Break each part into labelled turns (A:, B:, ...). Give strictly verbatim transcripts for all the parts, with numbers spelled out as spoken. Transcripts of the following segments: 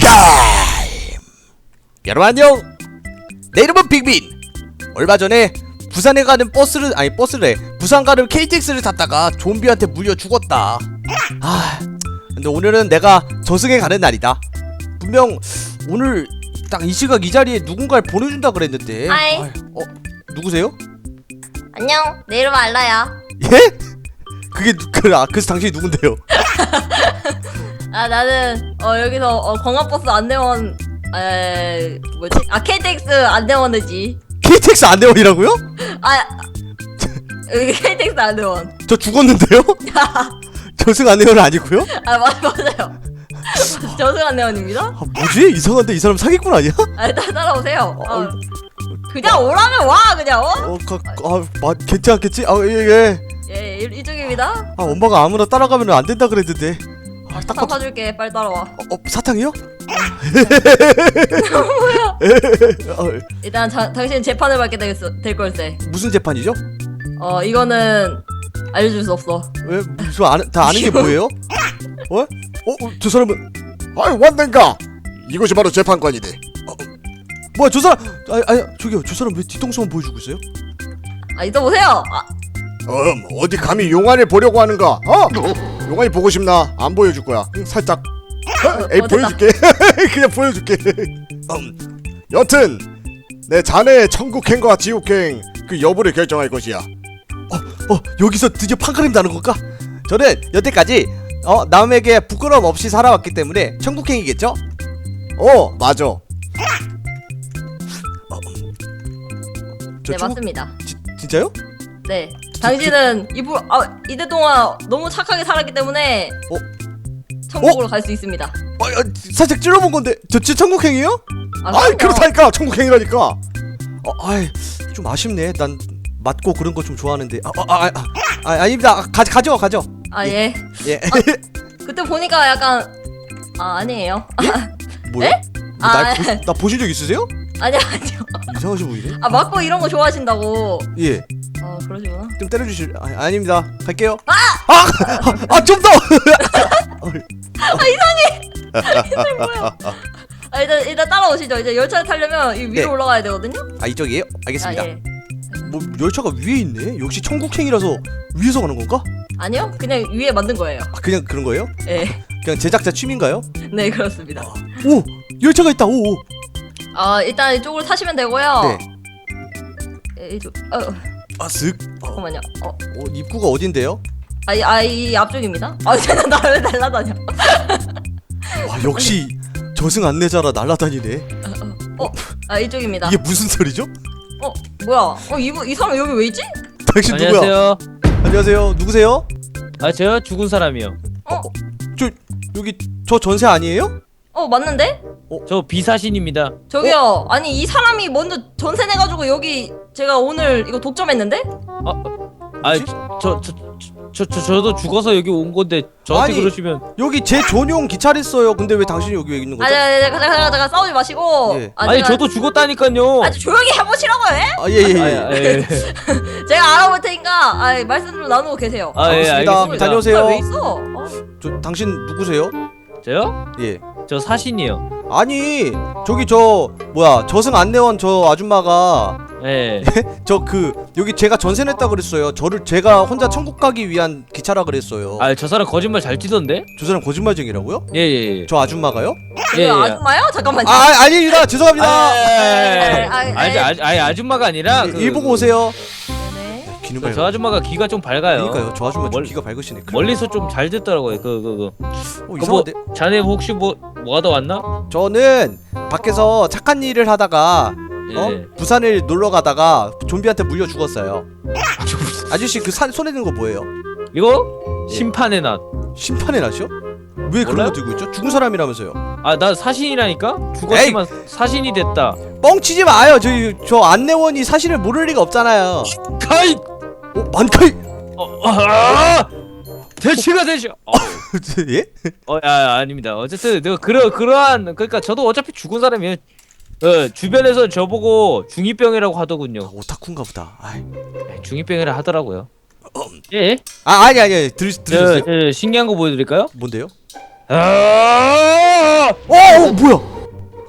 A: 타임! 여러분 안녕! 내 이름은 빅빈! 얼마 전에 부산에 가는 버스를 아니 버스래 부산 가는 케이티엑스를 탔다가 좀비한테 물려 죽었다. 아 근데 오늘은 내가 저승에 가는 날이다. 분명 오늘 딱 이 시각 이 자리에 누군가를 보내준다 그랬는데.
B: 하이.
A: 아이, 어? 누구세요?
B: 안녕, 내 이름은 알라야.
A: 예? 그게 누, 그, 아, 그래서 당신이 누군데요?
B: 아 나는 어 여기서 어, 광화버스 안내원 에 뭐지? 아 케이티엑스 안내원이지.
A: 케이티엑스 안내원이라고요?
B: 아 여기 케이티엑스 안내원.
A: 저 죽었는데요? 저승 안내원은 아니고요?
B: 아 맞, 맞아요. 저승 안내원입니다.
A: 아, 뭐지? 이상한데 이 사람 사기꾼 아니야?
B: 아 따, 따라오세요.
A: 어,
B: 어. 그냥 오라면 와 그냥 어?
A: 어, 가, 아, 마, 괜찮겠지? 아, 예, 예.
B: 예 이, 이쪽입니다.
A: 아, 엄마가 아무나 따라가면 안 된다 그랬는데. 아, 딱
B: 사탕
A: 봐도-
B: 사줄게. 빨리 따라와.
A: 어, 어, 사탕이요?
B: 뭐야?
A: 어,
B: 일단 자, 당신 재판을 받게 되겠어, 될 걸세.
A: 무슨 재판이죠?
B: 어 이거는 알려줄 수 없어.
A: 왜? 저 아는, 다 아는 게 뭐예요? 어? 어? 어? 저 사람은
C: 아이 왔는가? 이것이 바로 재판관이네.
A: 뭐야 저 사람 아니 아니 저기요 저 사람 왜 뒤통수만 보여주고 있어요?
B: 아 이따 보세요. 아,
C: 음 어디 감히 용안을 보려고 하는가? 어? 용안이 보고 싶나? 안 보여줄 거야. 응, 살짝. 어? 에이
B: 어, 됐다.
C: 보여줄게. 그냥 보여줄게. 음. 여튼 내 자네의 천국행과 지옥행 그 여부를 결정할 것이야.
A: 어 여기서 드디어 판가름 나는 건가? 저는 여태까지 어 남에게 부끄러움 없이 살아왔기 때문에 천국행이겠죠?
C: 어 맞아.
A: 저
B: 네
A: 천국-
B: 맞습니다.
A: 지, 진짜요?
B: 네. 당신은 이부 아 이대 동안 너무 착하게 살았기 때문에
A: 어?
B: 천국으로 갈 수 있습니다.
A: 어, 어, 살짝 찔러본 건데 저 진짜 천국행이에요?
B: 아,
C: 아이
B: 그럼요.
C: 그렇다니까 천국행이라니까.
A: 어, 아이 좀 아쉽네. 난 맞고 그런 거 좀 좋아하는데. 아, 아, 아, 아, 아 아닙니다. 아, 가 가져 가져.
B: 아 예.
A: 예.
B: 그때 보니까 약간 아 아니에요.
A: 뭐야?
B: 에?
A: 뭐 날
B: 아,
A: 보, 나 보신 적 있으세요?
B: 아니요 아니요.
A: 이상하신 분이네.
B: 아 맞고 이런 거 좋아하신다고.
A: 예.
B: 아 그러시구나.
A: 좀 때려주실. 아, 아닙니다. 갈게요. 아! 아! 아, 좀 더.
B: 뭐야? 아 일단 일단 따라오시죠. 이제 열차를 타려면 이 위로
A: 네.
B: 올라가야 되거든요.
A: 아 이쪽이에요? 알겠습니다.
B: 아 예.
A: 뭐 열차가 위에 있네. 역시 천국행이라서 위에서 가는 건가?
B: 아니요 그냥 위에 만든 거예요.
A: 아 그냥 그런 거예요?
B: 예.
A: 그냥 제작자 취미인가요?
B: 네 그렇습니다.
A: 오 열차가 있다. 오. 오.
B: 아 일단 이쪽으로 타시면 되고요.
A: 네.
B: 예, 이쪽 어
A: 아 쓱. 어,
B: 잠깐만요. 어.
A: 어 입구가 어딘데요?
B: 아이 아이 앞쪽입니다. 아 쟤는 나왜 날라다녀?
A: 와 역시 저승 안내자라 날라다니네.
B: 어, 아 이쪽입니다.
A: 이게 무슨 소리죠?
B: 어, 뭐야? 어, 이분 이 사람 여기 왜 있지?
A: 당신 누구야?
D: 안녕하세요.
A: 안녕하세요. 누구세요?
D: 아 저요 죽은 사람이요.
A: 저 여기 저 전세 아니에요?
B: 어, 맞는데?
D: 저 비사신입니다.
B: 저기요. 아니 이 사람이 먼저 전세 내가지고 여기 제가 오늘 이거 독점했는데?
D: 아저저 저 저 저 저도 죽어서 여기 온 건데 저한테
A: 아니,
D: 그러시면
A: 여기 제 전용 기차를 써요. 근데 왜 당신이 여기 왜 있는 거죠?
B: 아니, 아니, 아니, 잠깐, 잠깐, 잠깐 싸우지 마시고.
A: 예.
B: 아,
D: 아니
B: 제가
D: 저도 죽었다니까요.
B: 아주 조용히 해보시라고요. 예?
A: 아 예 예 예.
D: 아, 예.
B: 제가 알아볼 테니까 아, 말씀 좀 나누고 계세요.
D: 아, 예,
A: 알겠습니다.
D: 알겠습니다.
A: 다녀오세요.
B: 아, 왜 있어? 어?
A: 저 당신 누구세요?
D: 저요?
A: 예.
D: 저 사신이요.
A: 아니 저기 저 뭐야 저승 안내원 저 아줌마가
D: 예.
A: 저 그 여기 제가 전세 냈다 그랬어요. 저를 제가 혼자 천국 가기 위한 기차라 그랬어요.
D: 아 저 사람 거짓말 잘 치던데?
A: 저 사람 거짓말쟁이라고요?
D: 예예 예.
A: 저 아줌마가요?
D: 예,
B: 예,
D: 예.
B: 아줌마요? 잠깐만요.
A: 아 아, 아닙니다. 죄송합니다.
D: 아,
B: 아,
D: 아니
B: 아,
D: 아니 아줌마가 아니라
A: 예,
D: 그,
A: 일 보고 오세요.
B: 네.
A: 귀는
D: 저,
A: 밝아.
D: 저 아줌마가 귀가 좀 밝아요.
A: 그러니까요. 저 아줌마 좀
D: 멀-
A: 귀가 밝으시네. 그래.
D: 멀리서 좀 잘 듣더라고요. 그 그 그.
A: 어,
D: 그 뭐
A: 이상한데.
D: 자네 혹시 뭐 뭐 하다 왔나?
A: 저는 밖에서 착한 일을 하다가
D: 예.
A: 어? 부산을 놀러 가다가 좀비한테 물려 죽었어요. 아저씨 그 산, 손에 든 거 뭐예요?
D: 이거
A: 예.
D: 심판의 낮.
A: 심판의 낫이요? 왜 그런
D: 몰라요?
A: 거 들고 있죠? 죽은 사람이라면서요.
D: 아 나 사신이라니까? 죽었지만 사신이 됐다.
A: 뻥치지 마요. 저, 저 안내원이 사실을 모를 리가 없잖아요.
D: 가이!
A: 어? 만카이!
D: 어, 아! 대치가 대치. 어,
A: 예?
D: 어, 야, 아닙니다. 어쨌든 내가 그러 그러한 그러니까 저도 어차피 죽은 사람이에요. 어, 주변에서 저보고 중이병이라고 하더군요.
A: 오타쿠인가 보다. 아이.
D: 중이병이라 하더라고요. 예?
A: 아 아니 아니 들
D: 저,
A: 들으셨어요?
D: 저 신기한 거 보여드릴까요?
A: 뭔데요?
D: 아!
A: 어, 어 뭐야?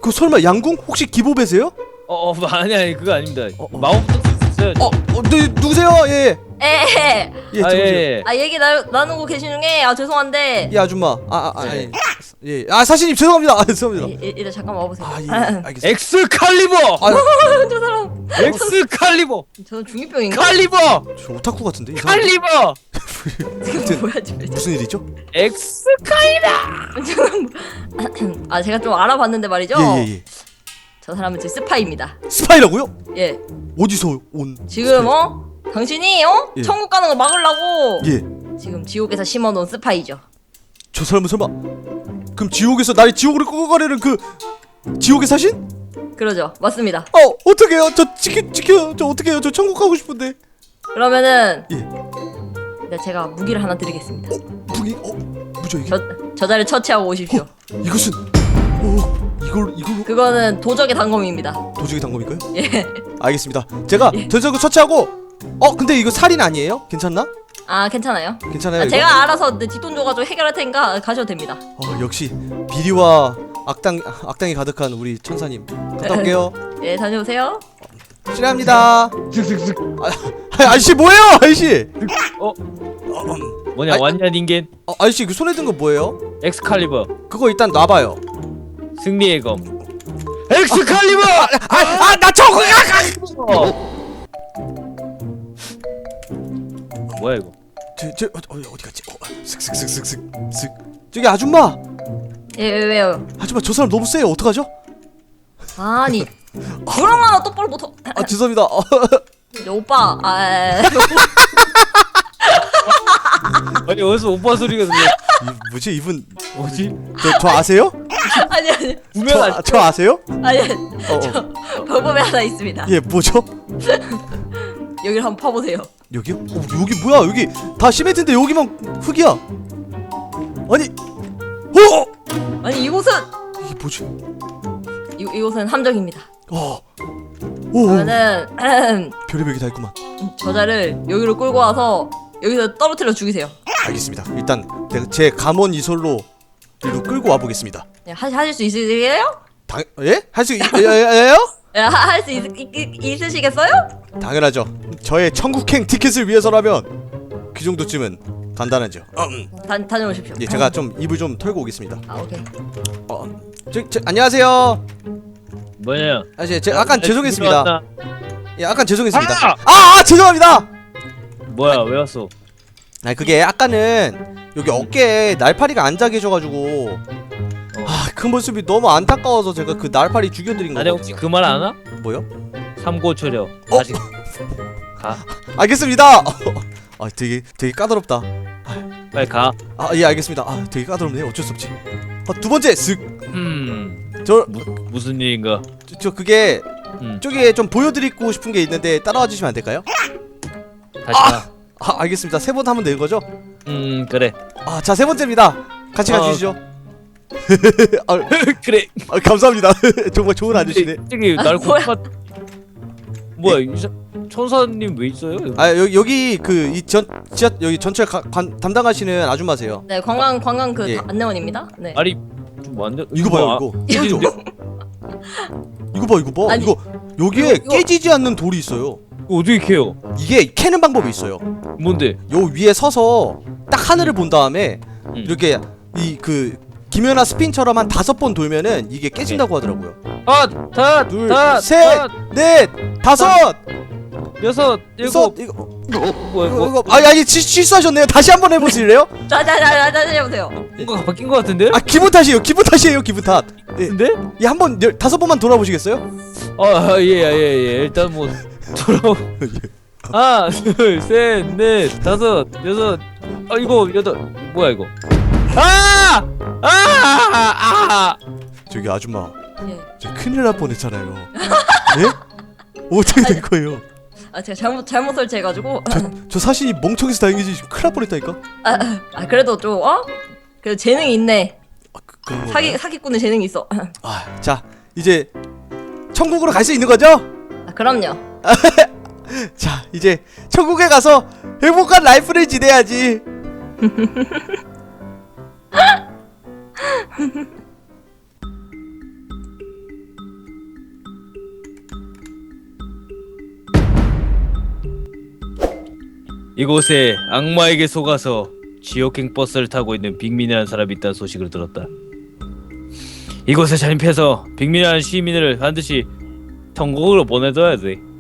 A: 그 설마 양궁 혹시 기보배세요?
D: 어, 어 아니 아니 그거 아닙니다.
A: 어, 어.
D: 마법도 있어요.
A: 어, 어, 네, 누구세요? 예,
B: 에.
A: 예, 예,
D: 아,
A: 들어오세요.
D: 예, 예.
B: 아 얘기 나, 나누고 계신 중에 아 죄송한데.
A: 예, 아줌마. 아, 아, 아, 예, 예, 아, 사신님 죄송합니다. 아, 죄송합니다.
B: 이- 이- 일단 잠깐만 와보세요.
A: 아, 예, 알겠습니다.
D: 엑스칼리버.
A: 아,
B: 저 사람
D: 엑스칼리버.
B: 저는 중이병인가?
D: 칼리버.
A: 저 오타쿠 같은데. 이 사람.
D: 칼리버.
B: 지금 뭐야 지금?
A: 무슨 일이죠?
D: 엑스칼리버.
B: 저는 뭐- 아 제가 좀 알아봤는데 말이죠.
A: 예, 예, 예.
B: 저 사람은 제 스파이입니다.
A: 스파이라고요?
B: 예.
A: 어디서 온?
B: 지금
A: 스파이?
B: 어? 당신이 어?
A: 예.
B: 천국 가는 거 막으려고
A: 예.
B: 지금 지옥에서 심어놓은 스파이죠.
A: 저 사람은 설마 그럼 지옥에서 나를 지옥으로 끌고 가려는 그 지옥의 사신?
B: 그러죠. 맞습니다.
A: 어, 어떡해요? 저 지켜 지켜. 저 어떡해요? 저 천국 가고 싶은데.
B: 그러면은
A: 예.
B: 네, 제가 무기를 하나 드리겠습니다.
A: 무기 어, 뭐죠 이게?
B: 저 저자를 처치하고 오십시오.
A: 이것은 오, 이걸 이걸로
B: 그거는 도적의 단검입니다.
A: 도적의 단검일까요?
B: 예.
A: 알겠습니다. 제가 도적을 처치하고 어, 근데 이거 살인 아니에요? 괜찮나?
B: 아 괜찮아요.
A: 괜찮아요.
B: 아,
A: 이거?
B: 제가 알아서 내 뒷돈 줘가지고 해결할 테니까 가셔도 됩니다.
A: 어, 역시 비리와 악당 악당이 가득한 우리 천사님. 갔다 올게요.
B: 예 다녀오세요.
A: 실례합니다.
D: 슥슥슥.
A: 아, 아저씨 뭐예요, 아저씨?
D: 어? 뭐냐
A: 아이,
D: 왔냐 닌겐?
A: 어, 아저씨 그 손에 든 거 뭐예요?
D: 엑스칼리버.
A: 그거 일단 놔봐요.
D: 승리의 검. 엑스칼리버.
A: 아, 나 저거.
D: 어. 뭐야 이거?
A: 저, 저 어, 어디 갔지? 어, 슥슥슥슥슥 슥. 저기 아줌마,
B: 예 왜, 왜요?
A: 아줌마 저 사람 너무 세요. 어떡하죠?
B: 아니 그런 거 하나 똑바로 못하.
A: 아 죄송합니다. 어,
B: 이제 오빠 아 에, 에.
D: 아니 어디서 오빠 소리가 들려?
A: 이, 뭐지 이분?
D: 뭐지?
A: 저, 저 아세요?
B: 아니 아니
D: 분명
A: 저,
D: 아,
A: 아, 저 아세요?
B: 아니
A: 어, 어.
B: 방법이 하나 있습니다.
A: 예, 뭐죠?
B: 여기를 한번 파보세요.
A: 여기요? 어, 여기 뭐야? 여기 다 시멘트인데 여기만 흙이야. 아니, 어?
B: 아니 이곳은
A: 이게 뭐지?
B: 이, 이곳은 함정입니다.
A: 어, 오,
B: 그러면은
A: 별의별 게 다 있구만.
B: 저자를 여기로 끌고 와서 여기서 떨어뜨려 죽이세요.
A: 알겠습니다. 일단 내가 제 감원 이솔로 일로 끌고 와 보겠습니다.
B: 네, 하, 하실 수 있으세요?
A: 당, 예? 할 수 있어요?
B: 예, 할 수 있으시겠어요?
A: 당연하죠. 저의 천국행 티켓을 위해서라면 그 정도쯤은 간단하죠. 음.
B: 다, 다녀오십시오.
A: 예, 제가 좀 입을 좀 털고 오겠습니다.
B: 아 오케이.
A: 어, 저, 저, 안녕하세요.
D: 뭐냐?
A: 아저씨, 제가 약간 죄송했습니다.
D: 들어왔나?
A: 예, 약간 죄송했습니다.
D: 아!
A: 아, 아, 죄송합니다.
D: 뭐야 왜 왔어?
A: 아, 그게 아까는 여기 어깨에 날파리가 앉아 계셔가지고 아, 그 모습이 너무 안타까워서 제가 그 날파리 죽여드린
D: 나네 혹시
A: 거거든요.
D: 그 말 아나?
A: 뭐요?
D: 삼고초려.
A: 어?
D: 아직 가.
A: 알겠습니다. 아, 되게 되게 까다롭다.
D: 빨리 가.
A: 아, 예, 알겠습니다. 아, 되게 까다롭네. 어쩔 수 없지. 아, 두 번째 쓱.
D: 음.
A: 저,
D: 무, 무슨 일인가?
A: 저, 저 그게
D: 음.
A: 저기에 좀 보여드리고 싶은 게 있는데 따라와 주시면 안 될까요?
D: 다시 가.
A: 아, 알겠습니다. 세 번 하면 되는 거죠?
D: 음 그래.
A: 아, 자, 세 번째입니다. 같이
D: 어.
A: 가주시죠. 아,
D: 그래.
A: 아, 감사합니다. 정말 좋은 아저씨네.
D: 저기 날
B: 뭐야?
D: 고파. 뭐야 이 사- 천사님 왜 있어요? 여기?
A: 아, 여기 여기 그 이 전 지하 여기 전철 가, 관, 담당하시는 아줌마세요.
B: 네 관광 관광 그
A: 예.
B: 다- 안내원입니다. 네.
D: 아니 좀 완전
A: 이거 봐요,
D: 아,
A: 이거.
D: 깨지는데?
A: 이거 봐, 이거 봐.
B: 아니,
A: 이거 여기에
B: 이거-
A: 깨지지 않는 돌이 있어요.
D: 이거 어떻게 캐요?
A: 이게 캐는 방법이 있어요.
D: 뭔데?
A: 요 위에 서서 딱 하늘을 본 다음에
D: 음.
A: 이렇게 이 그 김연아 스핀처럼 한 다섯 번 돌면은 이게 깨진다고 하더라고요.
D: 아, 다,
A: 둘,
D: 다,
A: 셋,
D: 다,
A: 넷, 다섯,
D: 여섯,
A: 여섯,
D: 일곱.
A: 이거
D: 뭐야,
A: 이거
D: 뭐,
A: 이거 아니 아니 시, 실수하셨네요. 다시 한번 해보실래요?
B: 자자자자 다녀보세요.
D: 뭔가 바뀐 것 같은데?
A: 아, 기분 탓이에요. 기분 탓이에요. 기분 탓. 예,
D: 근데?
A: 예, 한번 열- 다섯 번만 돌아보시겠어요?
D: 아, 예, 예, 예, 예. 일단 뭐 돌아. 하나, 둘, 셋, 넷, 다섯, 여섯. 아, 이거 여덟. 뭐야 이거? 아! 아! 아!
A: 저기 아줌마,
B: 예.
A: 저 큰일 날 뻔했잖아요. 예? 어떻게 된 거예요?
B: 아 제가 잘못 잘못 설치해가지고.
A: 저 사신이 멍청해서 다행이지 지금 큰일 날 뻔했다니까.
B: 아, 아 그래도 좀 어? 그래도 재능이 있네.
A: 아, 그, 그런 건가요?
B: 사기 사기꾼의 재능이 있어.
A: 아, 자 이제 천국으로 갈 수 있는 거죠?
B: 아 그럼요.
A: 자, 이제 천국에 가서 행복한 라이프를 지내야지.
D: 이곳에 악마에게 속아서 지옥행 버스를 타고 있는 빅민이라는 사람이 있다는 소식을 들었다. 이곳에 잠입해서 빅민이라는 시민을 반드시 천국으로 보내줘야 돼.